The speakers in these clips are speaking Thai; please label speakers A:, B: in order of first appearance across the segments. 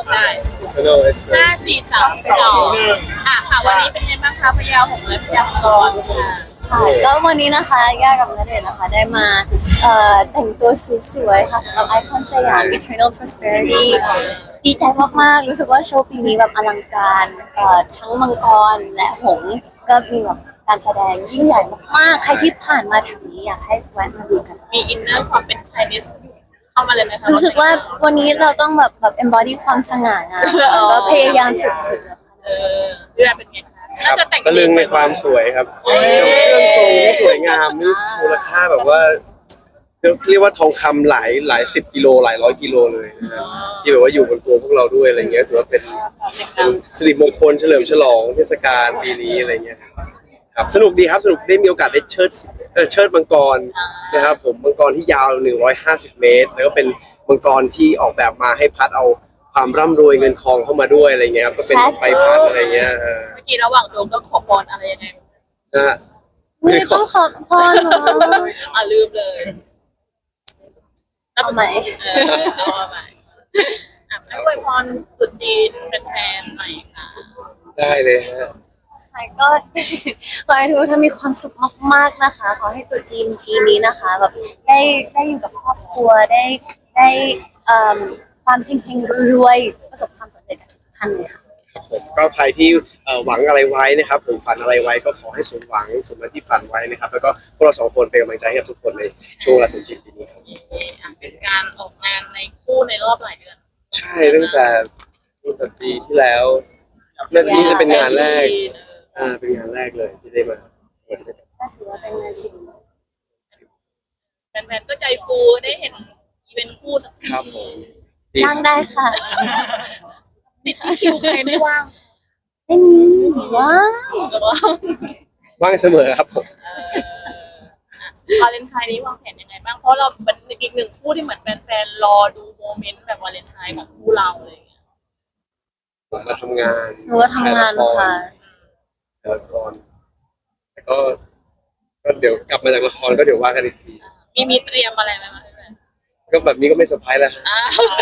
A: ได้
B: Personal
A: ห้า
B: Experience
A: สี่สามสองค่ะวันนี้เป็นไงบ้างคะพยาหงส์และพยามังกรค่ะ
C: ค่ะก็วันนี้นะคะย่ากับณเดชน์นะคะได้มาแต่งตัวสวยๆค่ะสำหรับไอคอนสยาม Eternal Prosperity ดีใจมากๆรู้สึกว่าโชว์ปีนี้แบบอลังการทั้งมังกรและหงส์ก็มีแบบการแสดงยิ่งใหญ่มากๆใครที่ผ่านมาแถวนี้อยากให้แวะมาดูกัน
A: มีอินเนอร์ความเป็นไชนีสเข้ามาเลยไหมคะ
C: รู้สึกว่าวันนี้เราต้องแบบembody ความสง่างามก็พยายามสุดๆแล้วค่ะ
A: พี่แบบเป็นไงคะ
B: ครั
A: น่า
B: บ
A: จะแต่ง
B: ตะลึงในความสวยครับเครื่องทรงที่สวยงามนี่มูลค่าแบบว่าเรียกว่าทองคำหลายสิบกิโลหลายร้อยกิโลเลยนะครับที่แบบว่าอยู่บนตัวพวกเราด้วยอะไรเงี้ยถือว่าเป็นสิริมงคลเฉลิมฉลองเทศกาลปีนี้อะไรเงี้ยครับสนุกดีครับสนุกได้มีโอกาสได้เชิดมังกรนะครับผมมังกรที่ยาว150 เมตรแล้วก็เป็นมังกรที่ออกแบบมาให้พัดเอาความร่ำรวยเงินทองเข้ามาด้วยอะไรเงี้ยครับก็เป็นใบพัดอะไรเงี้ย
A: เมื่อกี้ระหว่างโจมก็ขอพรอะไรยังไง
B: นะฮะ
C: ไม่ต้องขอพรเนาะ
A: ลืมเลย
C: เอาใหม่
A: เอาใหม่ให้อวยพรตรุษจีนเป็นแทนหน่อยค่ะ
B: ได้เลยฮะ
C: ค่ะก็ ขอให้ทุกท่านมีความสุขมากๆนะคะ ขอให้ตรุษจีนปีนี้นะคะแบบได้อยู่กับครอบครัวได้ความเฮงๆรวยๆประสบความสำเร็จกับทุกท่านเลยค่ะ
B: ผมก็ใครที่หวังอะไรไว้นะครับผมฝันอะไรไว้ก็ขอให้สมหวังสมดังที่ฝันไว้นะครับแล้วก็พวกเราสองคนเป็นกำลังใจให้กับทุกคนในช่วงวันตรุษจีนปีนี้ครับ
A: เป็นการออกงานในคู่ในรอบหลายเดือน
B: ใช่ตั้งแต่ปีที่แล้วนี่จะเป็นงานแรกเป็นงานแรกเลยที่ได้มา
C: ก็ถือว่าเป็นงานสิ่ง
A: แฟนๆก็ใจฟูได้เห็นอีเวนต์คู่สักที
B: ครับผมดี
C: จ้างได้ค่ะ
A: ติดคิวใครไม่ว่าง
C: ไม่มีว้าว
A: หรือว่า
B: ว่างเสมอครับผม
A: วาเลนไทน์นี้วางแผนยังไงบ้างเพราะเราเป็นอีกหนึ่งคู่ที่เหมือนแฟนๆรอดูโมเมนต์แบบวาเลนไทน์ของคู่เราอะไรอย่างเงี้ย
B: ผมมาทำงาน
C: หนูก็ทำงานค่ะ
B: ถ่ายละครแต่ก็เดี๋ยวกลับมาจากละครก็เดี๋ยวว่ากันอีกที
A: มีเตรียมอะไรไหมคะแฟน
B: ก็แบบนี้ก็ไม่เซอร์ไพรส์แล้วฮะ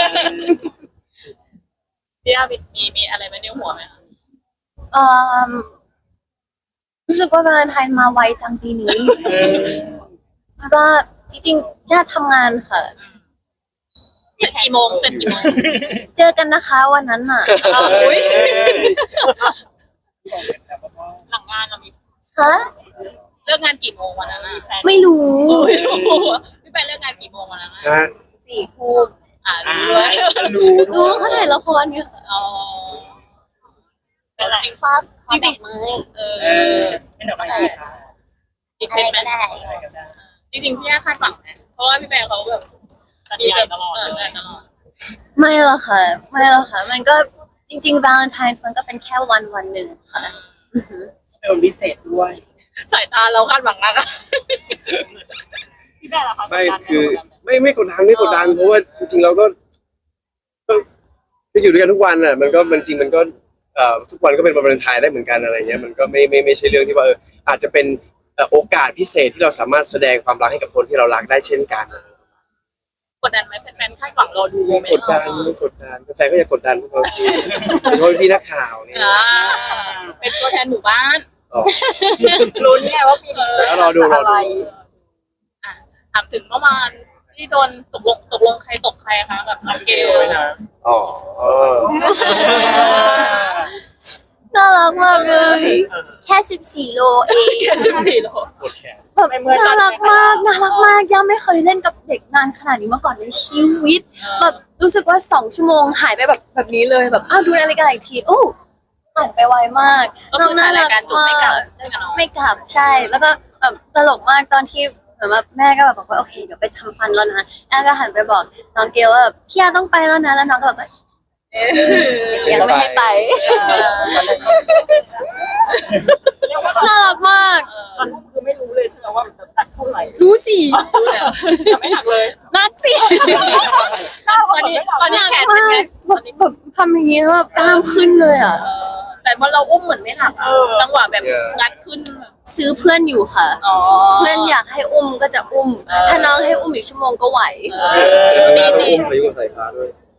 A: พี่อามีอะไรไหมในหัวไหมคะ
C: เอ่อรู้สึกว่าวาเลนไทน์มาไวจังปีนี้เพราะว่าจริงๆย่าทำงานค่ะ
A: เสร็จกี่โมง
C: เจอกันนะคะวันนั้นน่ะ
A: อุ้ยหลังงานเรามี
C: คะ
A: เลิกงานกี่โมงวันนั้นแฟน
C: ไม่รู้
A: พี่แฟนเลิกงานกี่โมงวันนั้น
B: นะฮะ
C: 4 ทุ่ม
A: รู้ด้วย
C: รู้เขาถ่ายละครอยู่ค่ะ
A: อ๋อเป็นไร
C: ฟาดฟาดดอกไม้
A: เป็นดอกไม้อีกเป็นไหมจริงๆพี่ย่าคาดหวังนะเพราะว่าพี่แบร์เขาแบบมีเซอร์ตลอด
C: ไม่หรอกค่ะ ไม่หรอกค่ะ มันก็จริงๆ Valentine's มันก็เป็นแค่วันหนึ่งค่ะอือหือ
D: เป็นวันพิเศษด้วย
A: สายตาเราคาดหวังมากอะ
D: พี่แม่ล่ะคะ
B: ไม่คือไม่กดดันเพราะว่าจริงๆเราก็อยู่ด้วยกันทุกวันอ่ะมันก็จริงมันก็ทุกวันก็เป็นวันวาเลนไทน์ได้เหมือนกันอะไรเงี้ยมันก็ไม่ใช่เรื่องที่ว่าอาจจะเป็นโอกาสพิเศษที่เราสามารถแสดงความรักให้กับคนที่เรารักได้เช่นกัน
A: กดดันไหมแฟนๆคาดหวังรอดูโมเมน
B: ก
A: ต์
B: ดดันไม่กดดันแฟนก็อย่ากดดันพวกเราสิเพราะพี่นักข่าวเนี่ย
A: เป็นตัวแทนหมู่บ้าน
B: อ๋อ
D: ลุ้นไงว่าปีนี้จะ
B: แล้วรอดู
D: อะไร
A: ถามถึงเมื่อวานที่โดนตกลงใครตกใครคะกับน้องเกล
B: อ๋อ
C: น่ารักมากเลย แค่14 โลเอง
A: แค่14 โล
B: ปวดแขน
C: แบบน่ารักมากย่าไม่เคยเล่นกับเด็กนานขนาดนี้มาก่อนในชีวิตแบบรู้สึกว่า2 ชั่วโมงหายไปแบบนี้เลยแบบดูนาฬิกาอีกทีโอ้ผ่านไปไวมาก
A: ก็คือถ่ายรายการจบไม่กลับเล่นกับน้อง
C: ไม่กลับใช่ แล้วก็แบบตลกมากตอนที่เหมือนแบบแม่ก็แบบบอกว่าโอเคเดี๋ยวไปทำฟันแล้วนะแม่ก็หันไปบอกน้องเกลว่าแบบพี่อาต้องไปแล้วนะแล้วน้องก็แบบยังไม่ให้ไปน่ารักมาก
D: ตอนนั้นคือไม่รู้เลยใช่ไหมว่ามันจะตัดเท่าไหร่
C: รู้สิ
D: แต่ไม่หนักเลย
C: นักสิ
A: ตอนนี้แขนเป็นไง
C: แบบทำอย่างนี้แล้วแบบกล้ามขึ้นเลยอ่ะ
A: แต่ว่าเราอุ้มเหมือนไม่หนักจังหวะแบบงัดขึ้น
C: ซื้อเพื่อนอยู่ค่ะ เพื่อนอยากให้อุ้มก็จะอุ้ม ถ้าน้องให้อุ้มอีกชั่วโมงก็ไหว
B: เจอหน้าต้องอุ้มพายุกับสายฟ้าด้วย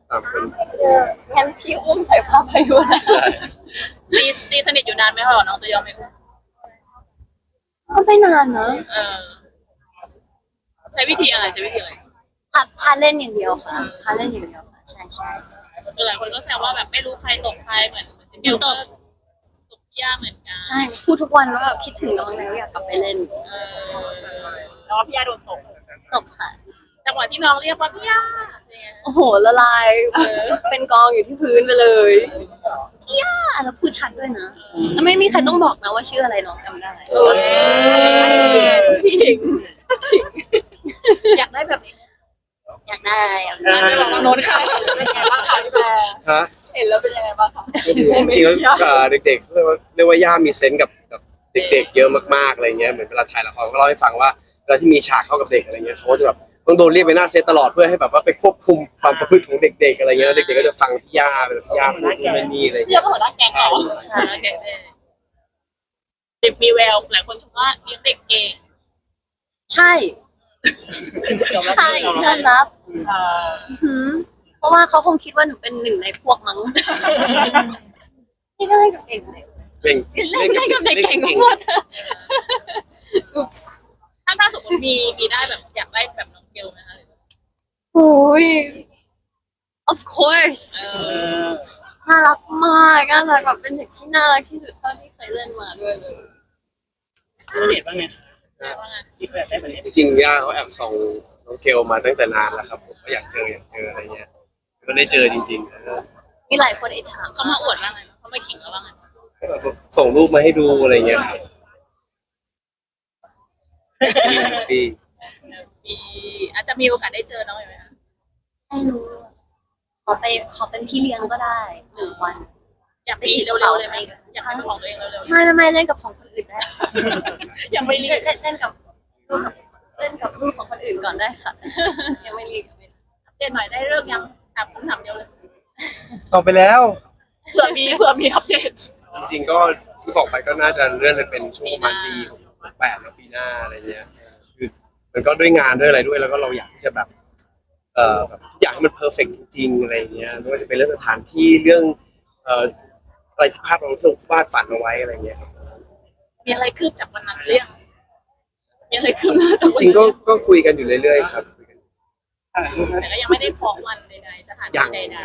B: 3 คน
C: งั้นพี่อุ้มใส่ผ้าพายุนะ
A: ตีสนิทอยู่นานไหมคะน้องจะยอมไหม
C: ก็ไม่นานนะ
A: เออใช้วิธีอะไรใช้วิธีอะไร
C: พาเล่นอย่างเดียวค่ะพาเล่นอย่างเดียวค่ะใช่ใช่
A: คือหลายคนก็แซวว่าแบบไม่รู้ใครตกใครเหมือนเดียวก็ตกยากเหมือนกัน
C: ใช่พูดทุกวันว่าแบบคิดถึงน้องแล้วอยากกลับไปเล่น
A: เออ
D: แล้วพี่ย่าโดนตก
C: ตบค่ะ
A: จังหวะที่น้องเรียกว่าพี่ย่าเนี่ย
C: โอ้โหละลายเป็นกองอยู่ที่พื้นไปเลยพี่ย่าแล้วพูดชัดด้วยนะแล้วไม่มีใครต้องบอกนะว่าชื่ออะไรน้องจำได้
A: เออขิงอยากได้แบบนี้
C: อยากได้อยากได้
A: ไม่บอกน้องโน้นค่ะเป็นไงบ้างคะพี่แบร์
B: ฮะ
A: เห็นแล้วเป็นยังไงบ้างคะ
B: จริงๆแล้วเด็กๆเรียกว่าย่ามีเซนส์กับเด็กๆเยอะมากๆอะไรเงี้ยเหมือนเวลาถ่ายละครก็เล่าให้ฟังว่าเวลาที่มีฉากเข้ากับเด็กอะไรเงี้ยเขาก็จะแบบต้องโดนเรียกไปหน้าเซตตลอดเพื่อให้แบบว่าไปควบคุมความประพฤติของเด็กๆอะไรเงี้ยเด็กๆก็จะฟังพี่ย่าเป็นพี่ย่าพูดนู่นนั่นนี่อะไร
D: พี่ย่า
B: เงี้ย
D: ก็หัวหน้าแก๊งเหรอ
C: ใช่
A: โอเคเด็กมีแววหลายคนชมว่าเลี้ยงเด็กเก่ง
C: ใช่ใช่ยอมรับหืมเพราะว่าเขาคงคิดว่าหนูเป็นหนึ่งในพวกมั้งนี่ก็เล่นกับเก่งเลย
B: เก่ง
C: เล่นกับเด็กเก่งหมดอุ๊บ
A: ถ้าสมมติมีได้แบบอยากได้แบบน้องเกลไหมคะ
C: โอ้ย of course
A: เออ
C: น่ารักมากน่ารักแบบเป็นเด็กที่น่ารักที่สุดเท่าที่เคยเล่นมาด้วยเลย
D: เห็นบ้างไง
A: ว่าไง
D: คิดแบบได้แบบนี้
B: จริงๆย่าเขาแอบส่องน้องเกลมาตั้งแต่นานแล้วครับผมก็อยากเจออะไรเงี้ยก็ได้เจอจริงๆแล้วก็
C: มีหลายคนอิจฉา
A: เขามาอวดว่าไงเขามาขิงเราว่าไง
B: แบบส่งรูปมาให้ดูอะไรเงี้ยครับพี่
A: ปีอาจจะมีโอกาสได้เจอน้องไหมคะ
C: ไม่รู้ขอเป็นพี่เลี้ยงก็ได้1 วัน
A: อยากไปฉีดเร็วๆเลยไหมอยากให้เป็นของตัวเองเร็ว
C: ไม่เล่นกับของคนอื่นได้
A: ๆยังไม่รีบ
C: เล่นกับลูกของคนอื่นก่อนได้ค่ะ ยังไม่รีบ
A: อัปเดตหน่อยได้เลิกยังถามคำถามเดียวเลย
B: ต่อไปแล้ว
A: เผื่อมีอัปเดต
B: จริงๆก็ที่บอกไปก็น่าจะเลื่อนไปเป็นช่วงประมาณปี68แล้วปีหน้าอะไรเงี้ยคือมันก็ด้วยงานด้วยอะไรด้วยแล้วก็เราอยากที่จะแบบแบบทุกอย่างให้มันเพอร์เฟกต์จริงๆอะไรเงี้ยไม่ว่าจะเป็นเรื่องสถานที่เรื่องอะไรที่ภาพเราที่วาดฝันเอาไว้อะไรเงี้ยครับ
A: มีอะไรคืบจากวันนั้นเรื่องมีอะไรคืบหน้า
B: จ
A: จากวัน
B: ริงๆ
A: นั้น
B: ก็คุยกันอยู่เรื่อยๆครับคุยกัน
A: แต่ก็ยังไม่ได้เคาะวันใดๆสถานที่ใด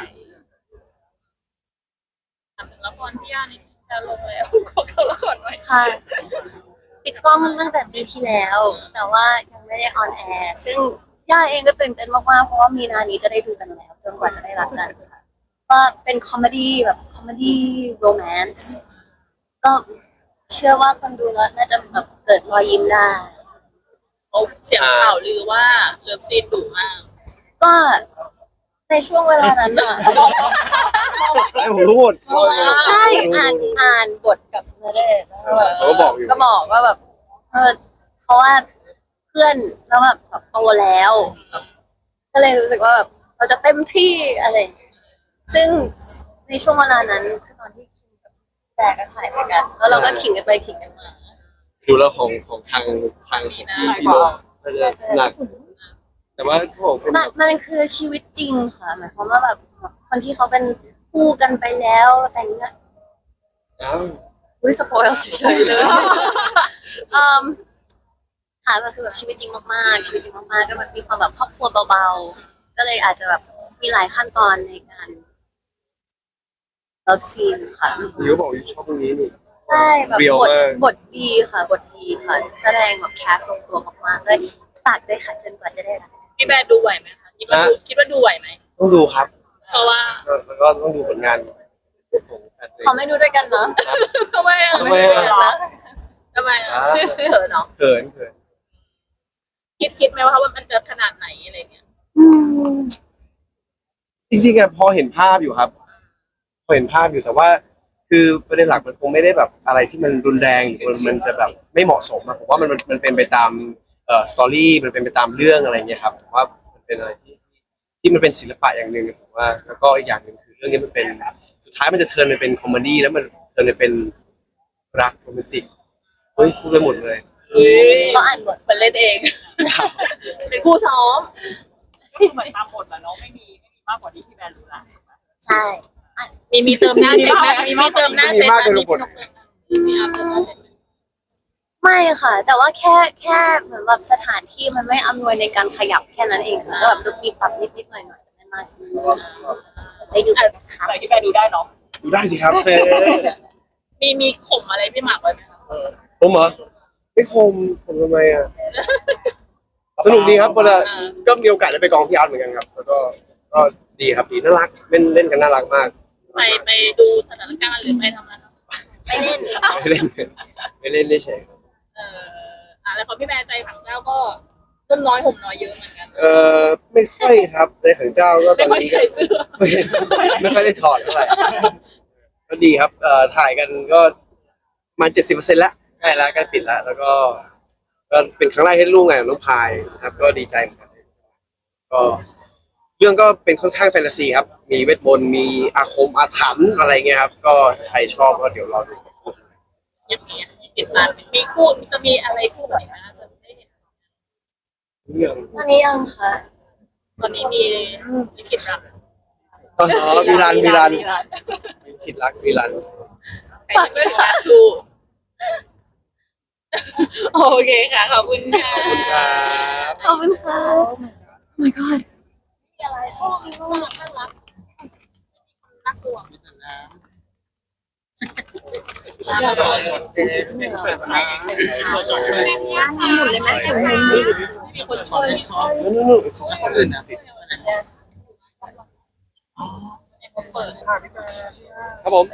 A: ๆถามถึงละครพี่ย่านี่จะลงแล้วขอเข้าละครไว้
C: ค่ะ ปิดกล้องตั้งแต่ปีที่แล้ว แต่ว่ายังไม่ได้ออนแอร์ซึ่งย่าเองก็ตื่นเต้นมากๆเพราะว่ามีนานี้จะได้ดูกันแล้วจนกว่าจะได้รักกันค่ะก็เป็นคอมเมดี้แบบคอมเมดี้โรแมนต์ก็เชื่อว่าคนดูแล้วน่าจะแบบเกิดรอยยิ้มได้
A: เขาเสียงข่าวลือว่าเลิฟซีนดุมาก
C: ก็ในช่วงเวลานั้นอ่ะ
B: ไอ้ผมรู้หมด
C: ใช่อ่านบทกับณเดชน์แล้วแบบ
B: เขาก็บอกอยู่
C: ก็บอกว่าแบบเพราะว่าเพื่อนแล้วแบบโตแล้วก็เลยรู้สึกว่าแบบเราจะเต็มที่อะไรอย่างเงี้ยซึ่งในช่วงเวลานั้นคือตอนที่คิงกับแต่ก็ถ่ายด้วยกันแล้วเราก็ขิงกันไปขิงกันมา
B: ดูแล้วของทางของพี่โลน่าจะหนักแต่ว่าเขาบอกเป็น
C: มันคือชีวิตจริงค่ะหมายความว่าแบบคนที่เขาเป็นคู่กันไปแล้วแต่งงาน
B: อ้าว
C: อุ้ยสปอยล์เฉยๆเลยค่ะมันคือแบบชีวิตจริงมากๆชีวิตจริงมากๆก็แบบมีความแบบครอบครัวเบาๆก็เลยอาจจะแบบมีหลายขั้นตอนในการเลิฟซีนค่ะ
B: ยูบอกยูชอบตรงนี้นี่
C: ใช่แบบ
B: Real มาก
C: บทดีค่ะบทดีค่ะ แสดงแบบแคสลงตัวมากๆเลยฝากด้วยค่ะจนกว่าจะได้รัก
A: พี่แบร์ดูไหวไหมคะคิดว่าดูไหวไหม
B: ต้องดูครับ
A: เพราะว่า
B: แล้วก็ต้องดูผลงานของแฟนเพลง
C: เขาไม่ดูด้วยกันเนาะ
A: ทำไมอ่ะ
C: เขาไม่ดูด้วยกันนะ
A: ทำไมอ่ะเขินเนาะ
B: เขิน
A: คิดไหมว่ามันจะขนาดไหนอะไรเงี้ย
B: จริงๆอะพอเห็นภาพอยู่ครับ พอเห็นภาพอยู่แต่ว่า คือประเด็นหลักมันคงไม่ได้แบบอะไรที่มันรุนแรงหรือมันจะแบบไม่เหมาะสมอะผมว่ามันเป็นไปตามสตอรี่มันเป็นไปตามเรื่องอะไรเงี้ยครับผมว่ามันเป็นอะไรที่มันเป็นศิลปะอย่างหนึ่งผมว่า แล้วก็อีกอย่างหนึ่งคือเรื่องนี้มันเป็นสุดท้ายมันจะเทิร์นไปเป็นคอมเมดี้แล้วมันเทิร์นไปเป็นรักโรแมนติกเฮ้ยพูดไปหมดเลย
C: เขาอ่านบท
A: มันเล่นเอง เป็นคู่ซ้อม
D: ก็คือเหมือนตามบทแหละเนาะไม่มีมากกว่าที่พี่แบร์รู้ละ
C: ใช่
A: มีเติมหน้าเซ็ตไหมมีเติมหน้าเซ็ตไหมมีพี่นกเติมหน้ามีอาร์มเติมหน้าเซ็ตไหม
C: ไม่ค่ะ แต่ว่าแค่เหมือนแบบสถานที่มันไม่อำนวยในการขยับแค่นั้นเองค่ะก็แบบดูมีปรับนิดหน่อยแต่ไม่มากได้ดูกันนะคะ
D: แต่พี่แบร์ดูได้เนาะ
B: ดูได้สิครับ
A: มีข่มอะไรพี่หมากไว้ไหมคะ
B: ผมเหรอไม่คมทำไมอ่ะสนุกดีครับเวลาก็มีโอกาสได้ไปกองพี่อาร์ตเหมือนกันครับ แล้วก็ดีครับดีน่ารักเล่นกันน่ารักมาก
A: ไปดูสถานการณ์หรือไปทำอะไรครับ
C: ไม่เล่น
B: ไม่เล่นได้เฉย
A: แล้วพอพี่แบร์ใจถังเจ้าก็ต้นน้อยห่มน้อยเยอะเหมือนกัน
B: ไม่ค่อยครับในของเจ้าก็ต
A: ไม่
B: อน
A: ค่อย
B: นี้
A: ใส่เสื้อ
B: ไม่ค่อยได้ถอดเท่าไหร่ก็ดีครับถ่ายกันก็มา70%แล้วใกล้แล้วใกล้ปิดแล้ว แล้วก็เป็นครั้งแรกที่ร่วมงานกับน้องพายนะครับ ก็ดีใจเหมือนกันก็เรื่องก็เป็นค่อนข้างแฟนตาซีครับ มีเวทมนต์มีอาคมอาถรรพ์อะไรเงี้ยครับ ก็ใครชอบก็เดี๋ยวรอดู
A: ยังมีติดตามมีคู่จะมีอะไรคู่ไหนนะจะได้เห็น
B: เรื่อง
C: ตอนนี้ยังค่ะ
A: ตอนนี้มีลิขิตรัก
B: อ๋อมีรันคิดรักมีรัน
A: ฝากด้วยค่ะคู่โอเคค่ะ ขอบคุณค่ะ
B: ขอบคุณครับ
C: ขอบคุณค่ะ Oh my god
A: อะไรคู่น่ารักน่ากลัว มีคนช่วย
B: นู่นอื่นนะติด
A: เปิด
B: ครับผม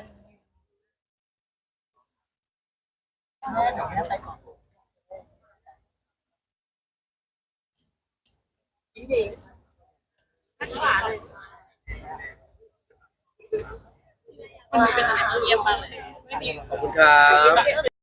A: มันเป็นอะไรที่เยี่ยมมากเลยไม่มี
B: ขอบคุณครับ